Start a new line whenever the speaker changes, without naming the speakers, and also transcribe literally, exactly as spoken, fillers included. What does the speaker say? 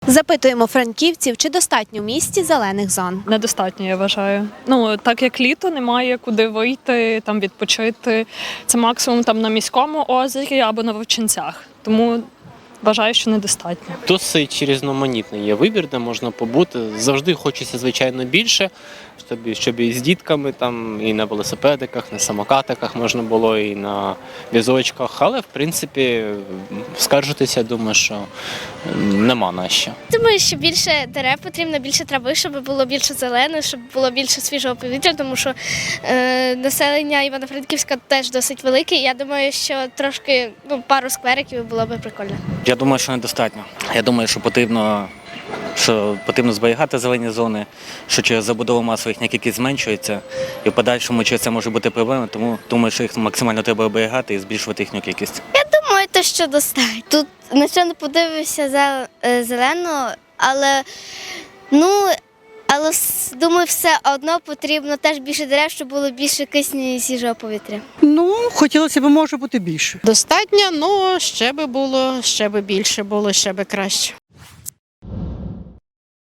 Запитуємо франківців, чи достатньо в місті зелених зон.
Недостатньо, я вважаю. Ну, так як літо, немає куди вийти, там відпочити. Це максимум там на міському озері або на Вовчинцях. Тому вважаю, що недостатньо.
Досить різноманітний є вибір, де можна побути. Завжди хочеться, звичайно, більше, щоб, щоб і з дітками, там, і на велосипедиках, на самокатиках можна було, і на візочках. Але, в принципі, скаржитися, думаю, що нема на що.
Думаю, що більше дерев потрібно, більше трави, щоб було більше зеленого, щоб було більше свіжого повітря, тому що е, населення Івано-Франківська теж досить велике. Я думаю, що трошки ну, пару сквериків було б прикольно.
Я думаю, що недостатньо. Я думаю, що потрібно, що потрібно зберігати зелені зони, що через забудову масових кількість зменшується, і в подальшому через це може бути проблема, тому думаю, що їх максимально треба оберігати і збільшувати їхню кількість.
Думаю, то що достатньо. Тут на що не подивишся зелено, але ну. Але думаю, все одно потрібно теж більше дерев, щоб було більше кисню і свіжого повітря.
Ну, хотілося б, може бути більше.
Достатньо, але ще би було, ще би більше було, ще би краще.